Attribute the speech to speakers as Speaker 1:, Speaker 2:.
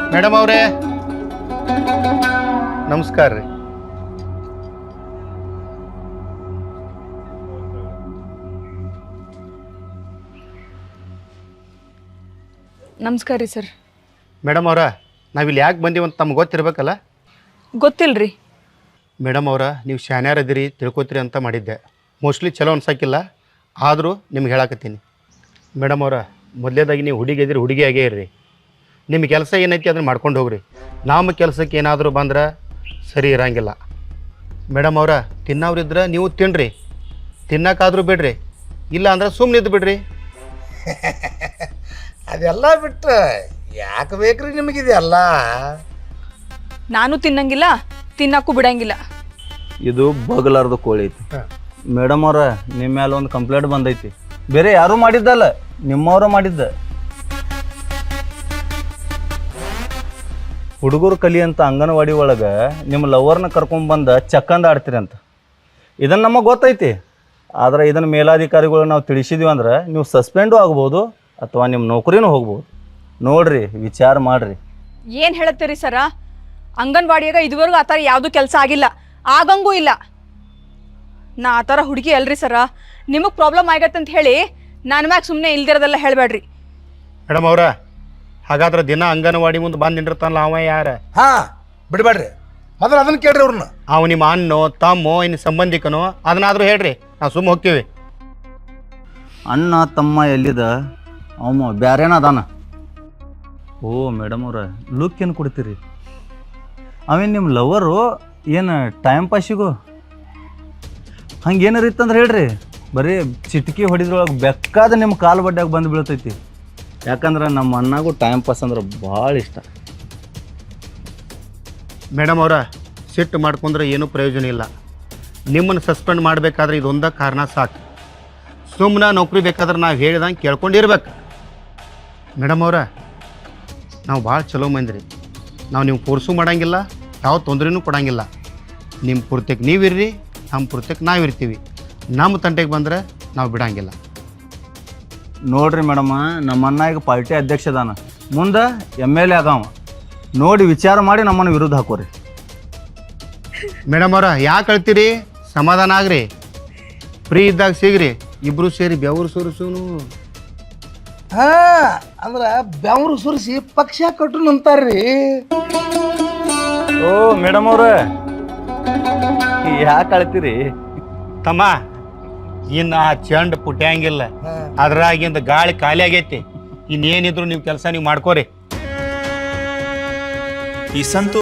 Speaker 1: Madam ಅವರೇ ನಮಸ್ಕಾರ ರೀ.
Speaker 2: ನಮಸ್ಕಾರ ರೀ ಸರ್.
Speaker 1: ಮೇಡಮ್ ಅವರ ನಾವಿಲ್ಲಿ ಯಾಕೆ ಬಂದೀವಂತ ತಮ್ಗೆ ಗೊತ್ತಿರ್ಬೇಕಲ್ಲ?
Speaker 2: ಗೊತ್ತಿಲ್ರಿ.
Speaker 1: ಮೇಡಮ್ ಅವರ ನೀವು ಶಾನ್ಯಾರದಿರಿ ತಿಳ್ಕೊತೀರಿ ಅಂತ ಮಾಡಿದ್ದೆ. ಮೋಸ್ಟ್ಲಿ ಚಲೋ ಅನ್ಸಕ್ಕಿಲ್ಲ, ಆದರೂ ನಿಮ್ಗೆ ಹೇಳಕತ್ತೀನಿ. ಮೇಡಮ್ ಅವರ ಮೊದಲೇದಾಗಿ ನೀವು ಹುಡುಗಿ ಇದ್ರಿ, ಹುಡುಗಿ ಆಗೇ ಇರ್ರಿ. ನಿಮ್ಮ ಕೆಲಸ ಏನೈತಿ ಅದನ್ನು ಮಾಡ್ಕೊಂಡು ಹೋಗ್ರಿ. ನಮ್ಮ ಕೆಲಸಕ್ಕೆ ಏನಾದರೂ ಬಂದ್ರೆ ಸರಿ ಇರೋಂಗಿಲ್ಲ. ಮೇಡಮ್ ಅವರ ತಿನ್ನೋರಿದ್ರೆ ನೀವು ತಿನ್ನಿರಿ, ತಿನ್ನೋಕ್ಕಾದ್ರೂ ಬಿಡ್ರಿ, ಇಲ್ಲ ಅಂದ್ರೆ ಸುಮ್ಮನೆ ಇದ್ದು ಬಿಡ್ರಿ.
Speaker 3: ಅದೆಲ್ಲ ಬಿಟ್ರೆ ಯಾಕೆ ಬೇಕ್ರಿ ನಿಮಗಿದೆಲ್ಲ?
Speaker 2: ನಾನು ತಿನ್ನಂಗಿಲ್ಲ, ತಿನ್ನಕ್ಕೂ ಬಿಡಂಗಿಲ್ಲ.
Speaker 4: ಇದು ಬಗಲಾರ್ದು ಕೋಳಿ ಐತಿ. ಮೇಡಮ್ ಅವ್ರ ನಿಮ್ಮ ಮೇಲೆ ಒಂದು ಕಂಪ್ಲೇಂಟ್ ಬಂದೈತಿ. ಬೇರೆ ಯಾರೂ ಮಾಡಿದ್ದಲ್ಲ, ನಿಮ್ಮವ್ರ ಮಾಡಿದ್ದ. ಹುಡುಗರು ಕಲಿ ಅಂತ ಅಂಗನವಾಡಿ ಒಳಗೆ ನಿಮ್ಮ ಲವರ್ನ ಕರ್ಕೊಂಡ್ಬಂದು ಚಕ್ಕಂದ ಆಡ್ತೀರಿ ಅಂತ. ಇದನ್ನು ನಮಗೆ ಗೊತ್ತೈತಿ. ಆದರೆ ಇದನ್ನು ಮೇಲಾಧಿಕಾರಿಗಳು ನಾವು ತಿಳಿಸಿದ್ವಿ ಅಂದ್ರೆ ನೀವು ಸಸ್ಪೆಂಡು ಆಗ್ಬೋದು ಅಥವಾ ನಿಮ್ಮ ನೌಕರಿನೂ ಹೋಗ್ಬೋದು. ನೋಡ್ರಿ, ವಿಚಾರ ಮಾಡಿರಿ.
Speaker 2: ಏನು ಹೇಳತ್ತೀರಿ ಸರ? ಅಂಗನವಾಡಿಯಾಗ ಇದುವರೆಗೂ ಆ ಥರ ಯಾವುದೂ ಕೆಲಸ ಆಗಿಲ್ಲ, ಆಗಂಗೂ ಇಲ್ಲ. ನಾ ಆ ಥರ ಹುಡುಗಿ ಅಲ್ರಿ ಸರ. ನಿಮಗೆ ಪ್ರಾಬ್ಲಮ್ ಆಗತ್ತಂತ ಹೇಳಿ ನನ್ನ ಮ್ಯಾಗ ಸುಮ್ಮನೆ ಇಲ್ದಿರೋದೆಲ್ಲ ಹೇಳಬೇಡ್ರಿ.
Speaker 1: ಮೇಡಮ್ ಅವರ ಹಾಗಾದ್ರೆ ದಿನ ಅಂಗನವಾಡಿ ಮುಂದೆ ಬಂದು ನಿಂದಿರ್ತಾನಲ್ಲ ಅವ ಯಾರ?
Speaker 3: ಹಾಂ, ಬಿಡಬೇಡ್ರಿ. ಮೊದಲು ಅದನ್ನು ಕೇಳ್ರಿ ಅವ್ರನ್ನ.
Speaker 1: ಅವ ನಿಮ್ಮ ಅಣ್ಣೋ ತಮ್ಮೋ ಇನ್ನು ಸಂಬಂಧಿಕನೋ ಅದನ್ನಾದರೂ ಹೇಳ್ರಿ, ನಾವು ಸುಮ್ಮ ಹೋಗ್ತೀವಿ.
Speaker 4: ಅಣ್ಣ ತಮ್ಮ ಎಲ್ಲಿದ? ಅವ ಬ್ಯಾರೇನ ಅದಾನ. ಓ ಮೇಡಮ್ ಅವ್ರ ಲುಕ್ ಏನು ಕೊಡ್ತೀರಿ? ಅವೇನು ನಿಮ್ಮ ಲವರು ಏನು ಟೈಮ್ ಪಾಸಿಗೂ ಹಂಗೇನಾರು ಇತ್ತಂದ್ರೆ ಹೇಳ್ರಿ. ಬರೀ ಚಿಟಕಿ ಹೊಡಿದ್ರೊಳಗೆ ಬೆಕ್ಕಾದ ನಿಮ್ಮ ಕಾಲು ಬಡ್ಡ್ಯಾಗ ಬಂದು ಬೀಳ್ತೈತಿ. ಯಾಕಂದ್ರೆ ನಮ್ಮ ಅಣ್ಣಗೂ ಟೈಮ್ ಪಾಸ್ ಅಂದ್ರೆ ಭಾಳ ಇಷ್ಟ.
Speaker 1: ಮೇಡಮ್ ಅವರ ಸಿಟ್ಟು ಮಾಡ್ಕೊಂಡ್ರೆ ಏನೂ ಪ್ರಯೋಜನ ಇಲ್ಲ. ನಿಮ್ಮನ್ನು ಸಸ್ಪೆಂಡ್ ಮಾಡಬೇಕಾದ್ರೆ ಇದೊಂದೇ ಕಾರಣ ಸಾಕು. ಸುಮ್ಮನೆ ನೌಕರಿ ಬೇಕಾದ್ರೆ ನಾವು ಹೇಳಿದಂಗೆ ಕೇಳ್ಕೊಂಡಿರ್ಬೇಕು. ಮೇಡಮ್ ಅವರ ನಾವು ಭಾಳ ಚಲೋ ಮಂದಿರಿ. ನಾವು ನೀವು ಫೋರ್ಸು ಮಾಡೋಂಗಿಲ್ಲ, ಯಾವ ತೊಂದರೆನೂ ಕೊಡೋಂಗಿಲ್ಲ. ನಿಮ್ಮ ಪೂರ್ತಕ್ಕೆ ನೀವಿರ್ರಿ, ನಮ್ಮ ಪೂರ್ತಕ್ಕೆ ನಾವಿರ್ತೀವಿ. ನಮ್ಮ ತಂಟೆಗೆ ಬಂದರೆ ನಾವು ಬಿಡೋಂಗಿಲ್ಲ.
Speaker 4: ನೋಡ್ರಿ ಮೇಡಮ್ಮ, ನಮ್ಮ ಅಣ್ಣ ಈಗ ಪಾರ್ಟಿ ಅಧ್ಯಕ್ಷ ಅದಾನ, ಮುಂದೆ MLA ಆಗವ. ನೋಡಿ ವಿಚಾರ ಮಾಡಿ ನಮ್ಮನ್ನು ವಿರುದ್ಧ ಹಾಕೋರಿ.
Speaker 1: ಮೇಡಮ್ ಅವರ ಯಾಕೆ ಅಳ್ತೀರಿ? ಸಮಾಧಾನ ಆಗ್ರಿ, ಫ್ರೀ ಇದ್ದಾಗ ಸಿಗ್ರಿ, ಇಬ್ಬರು ಸೇರಿ ಬೆವರು ಸುರಿಸೂನು.
Speaker 3: ಹಾಂ, ಅಂದ್ರೆ ಬೆವರು ಸುರಿಸಿ ಪಕ್ಷ ಕಟ್ಟು ಅಂತಾರ್ರಿ.
Speaker 4: ಓ ಮೇಡಮ್ ಅವ್ರ ಯಾಕೆ ಅಳ್ತೀರಿ?
Speaker 1: ತಮ್ಮ ಇನ್ನು ಆ ಚೆಂಡು ಪುಟ್ಯಾಂಗಿಲ್ಲ, ಅದ್ರಾಗಿಂದ ಗಾಳಿ ಖಾಲಿ ಆಗೈತಿ. ಇನ್ನೇನಿದ್ರು ನೀವು ಕೆಲಸ ನೀವು ಮಾಡ್ಕೋರಿ.
Speaker 5: ಈ ಸಂತು